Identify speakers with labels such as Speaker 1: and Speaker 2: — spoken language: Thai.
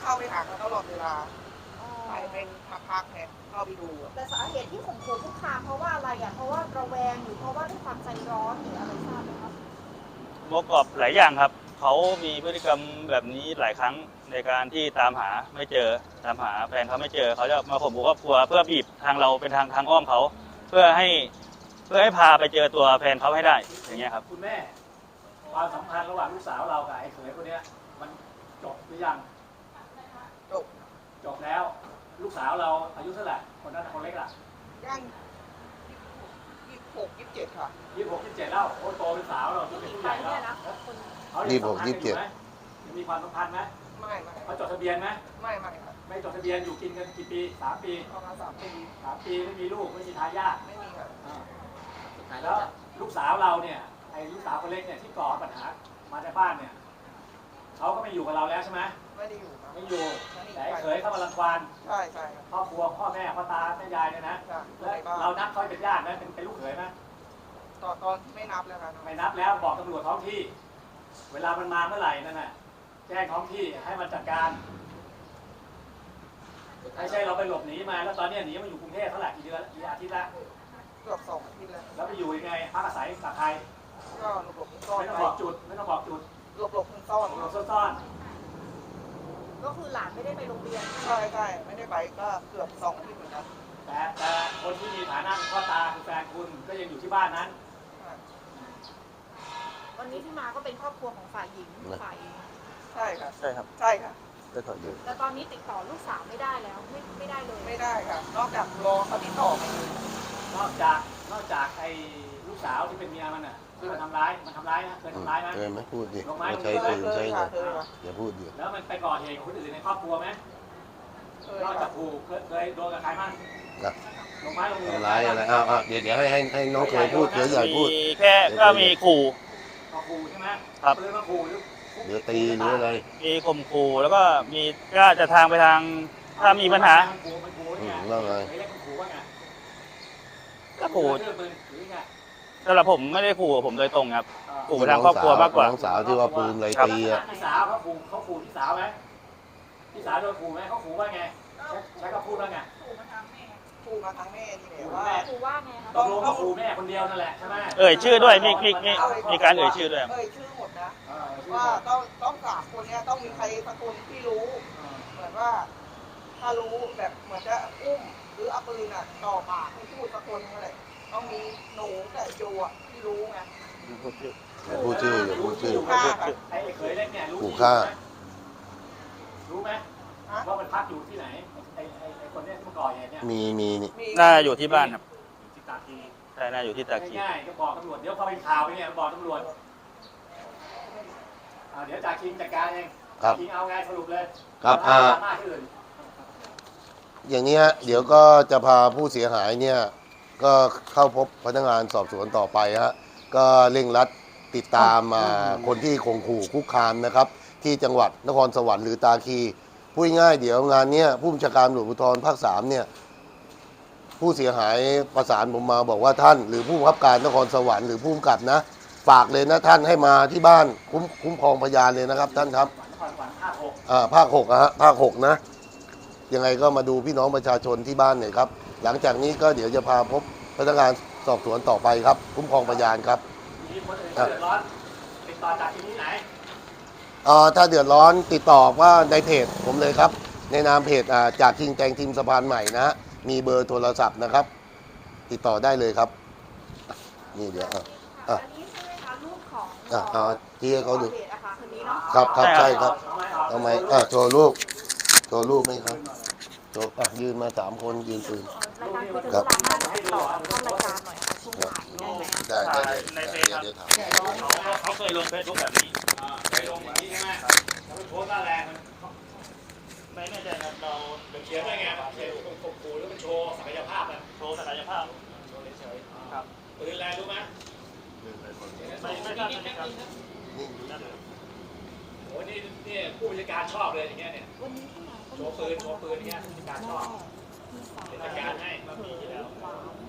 Speaker 1: เข้าไปหาเขาตลอดเวลาไปเป็นพักๆเนี่ยเข้าไปดู
Speaker 2: แต่สาเหตุที่ข่มขู่คุกคามเพราะว่าอะไรอ่ะเพราะว่าระแวงหรือเพราะว่าด้วยความใจร้อนหรืออะไรทราบไหมครับ
Speaker 3: ประกอบหลายอย่างครับเขามีพฤติกรรมแบบนี้หลายครั้งในการที่ตามหาไม่เจอตามหาแฟนเขาไม่เจอเขาจะมาข่มขู่ครอบครัวเพื่อบีบทางเราเป็นทางอ้อมเขาเพื่อให้พาไปเจอตัวแฟนเขาให้ได้อย่างเงี้ยครับ
Speaker 4: คุณแม่ความสัมพันธ์ระหว่างลูกสาวเรากับไอ้เขยคนนี้มันจบหรือยังจบแล้วลูกสาวเราอายุเท่าไหร่คนนั้นคนเล็กล่ะ
Speaker 1: ย่าง26 27ค่ะ
Speaker 4: 26 27แล้วโอ้โตเป็นสาวเราเป็นผู้ใหญ่แล้วเขา
Speaker 5: 26 27
Speaker 4: มีความสัมพันธ์ไหม
Speaker 1: ไม่
Speaker 4: เขาจดทะเบียนไหม
Speaker 1: ไม่ครับ
Speaker 4: ไม่จดทะเบียนอยู่กินกันกี่ปี3 ปี
Speaker 1: ประมาณ3 ปี
Speaker 4: 3 ปีไม่มีลูกไม่มีทายาท
Speaker 1: ไม่มีครับ
Speaker 4: แล้วลูกสาวเราเนี่ยไอ้ลูกสาวคนเล็กเนี่ยที่ก่อปัญหามาในบ้านเนี่ยเขาก็ไม่อยู่กับเราแล้วใช่ไหม
Speaker 1: ไม่ได้อยู่ครับ
Speaker 4: ไม่อยู่แต่เคยเข้ามารังควาน
Speaker 1: ใช่
Speaker 4: ครอบครัวพ่อแม่พ่อตาแม่ยายเนี่ยนะแล้วเรานับเขาเป็นญาติไหมเป็นลูกเขยไหม
Speaker 1: ตอนไม่นับแล้วครับ
Speaker 4: ไม่นับแล้วบอกตำรวจท้องที่เวลามันมาเมื่อไหร่นั่นน่ะแจ้งท้องที่ให้มันจัดการไม่ใช่เราไปหลบหนีมาแล้วตอนนี้หนีมาอยู่กรุงเทพเท่าไหร่กี่เดือนกี่อาทิตย์ละ
Speaker 1: เกือบ2 อาทิตย์แล้ว
Speaker 4: ไปอยู่ยังไงพักอาศัยกับใคร
Speaker 1: ก็หลบซ่อน
Speaker 4: ไม่ต้องบอกจุดไม่ต้องบอกจุด
Speaker 1: หลบซ่อน
Speaker 4: ซ่อน
Speaker 2: ก็คือหลานไม่ได้ไปโรงเรียน
Speaker 1: ใช่ไม่ได้ไปก็เกือบ2 อาทิตย์เหมือนกัน
Speaker 4: แต่คนที่มีฐานะพ่อตาคือแฟนคุณก็ยังอยู่ที่บ้านนั้น
Speaker 2: วันนี้ที่มาก็เป็นครอบครัวของฝ่ายหญิงฝ่าย
Speaker 1: ใช่ครับ
Speaker 3: ใช่ครับ
Speaker 5: ก็ถอดอยู่
Speaker 2: แต่ตอนนี้ติดต่อลูกสาวไม่ได้แล้วไม่ได้เลย
Speaker 1: ไม่ได้ค่ะนอกจากรอเขาติดต่อไม่ได้
Speaker 4: นอกจากไอ้ลูกสาวที่เป็นเมียมันน่ะที่มันทำร้ายนะเคยทำร้ายไหม
Speaker 5: เคยไหมพูดดิใช้ปืนใช้เงินอย่าพูดดิ
Speaker 4: แล้วมันไปก่อเหตุกับคนอื่นในครอบครัวไหมนอกจากขู่เคยโดนกับใครบ้างลงไม้ลงมือ
Speaker 5: ทำร้ายอะไรเดี๋ยวให้น้องเคยพูดเคยใหญ่พูด
Speaker 3: แค่ก็มีขู่
Speaker 4: ใช่ไหม
Speaker 3: ครับ
Speaker 4: ปืนมาขู่
Speaker 5: เดี๋ยวตีหรืออะไร
Speaker 3: มีข่มขู่แล้วก็มีก็จะทางไปทางถ้ามีปัญหา
Speaker 5: ว่าไง
Speaker 3: ก็ขู่สำหรับผมไม่ได้ขู่ผมโดยตรงครับขู่ไปทางครอบครัวมากกว่า
Speaker 5: น้องสาวที่ว่าปืนอะไรตีอ่ะ
Speaker 4: พี่สาวเขาขู่พี่สาวไหมพี่สาวโดนขู่ไหมเขาขู่ว่าไงใช้คำพูดว่าไง
Speaker 1: ขู่มาทางแม่นี่แหละ
Speaker 2: ว่าไงครับ
Speaker 4: ต้องขู่แม่คนเดียวนั่นแหละใช่ไหม
Speaker 3: ชื่อด้วยมีการชื่อด้วย
Speaker 1: ชื่อหมดนะว่าต้อง3 คนนี้ต้องมีใครสักคนที่รู้เหมือนว่าถ้ารู้แบบเหมือนจะอุ้มหรือเอาปืนจ่อปากให้พูดสักคนอะไรต้องมีหนูกับโยที่รู้ไง
Speaker 5: พูดชื่อ
Speaker 4: ไอ้เคยเล่นเนี่ยรู้
Speaker 5: ฆ่า
Speaker 4: รู้ไหมว่ามันพักอยู่ที่ไหนไอ้คนนี้ที่ก่อเหตุเนี่ย
Speaker 5: มี
Speaker 3: น่าอยู่ที่บ้านครับ
Speaker 4: ที่ตากคี
Speaker 3: ใช่น่าอยู่ที่ตากคี
Speaker 4: ง่ายๆก็บอกตำรวจเดี๋ยวพอเป็นข่าวไปเนี่ยบอกตำรวจเดี๋ยวจากคิงจัดการเองคิงเอาไงสรุปเลย
Speaker 5: ครับอย่างนี้ฮะเดี๋ยวก็จะพาผู้เสียหายเนี่ยก็เข้าพบพนักงานสอบสวนต่อไปฮะก็เร่งรัดติดตามคนที่ข่มขู่คุกคามนะครับที่จังหวัดนครสวรรค์หรือตาคีพูดง่ายเดี๋ยวงานนี้ผู้บัญชาการตำรวจภูธรภาค3เนี่ยผู้เสียหายประสานผมมาบอกว่าท่านหรือผู้บังคับการนครสวรรค์หรือผู้กำกับนะฝากเลยนะท่านให้มาที่บ้านคุ้มครองพยานเลยนะครับท่านครับภาค 6ฮะภาค 6นะยังไงก็มาดูพี่น้องประชาชนที่บ้านหน่อยครับหลังจากนี้ก็เดี๋ยวจะพาพบพนักงานสอบสวนต่อไปครับคุ้มครองพยานครับ
Speaker 4: มีคนอื่นเดือดร้อนติดต่อจากที่ไหน
Speaker 5: ถ้าเดือดร้อนติดต่อว่าในเพจผมเลยครับในนามเพจจากคิงแตงทีมสะพานใหม่นะมีเบอร์โทรศัพท์นะครับติดต่อได้เลยครับนี่เดี๋ยว
Speaker 2: อันนี้ใช่ไหมคะลูกของ
Speaker 5: ที่ให้เขาดู
Speaker 2: ครับ
Speaker 5: ใช่ครับทำไมโชว์ลูกไหมครับโชว์ยืนมา3 คนยืนปืน
Speaker 2: ครับต่อเข้ารายการหน่อยค่ะช่วงบ่ายได้ไหม
Speaker 5: ได้
Speaker 3: ในเฟซเขาเคยลงเฟซบุ๊กแบบนี้
Speaker 4: เคยลงอย่างนี้ใช่ไหมเขาโพสต์ว่าแรง
Speaker 3: ไม่แน่ใจครับเรา
Speaker 4: เขียนว่าไงเขียนข่มขู่หรือมันโชว์ศักยภาพนะ
Speaker 3: โชว์ศักยภาพ
Speaker 4: เฉยครับปืนแรงรู้ไหม
Speaker 3: ไม่ทราบนะครับ
Speaker 4: โอ้นี่ผู้บัญชาการชอบเลยอย่างเงี้ยเนี่ยโชว์ปืนอย่างเงี้ยผู้บัญชาการชอบเป็นจัดการให้
Speaker 3: มีอยู่แล้ว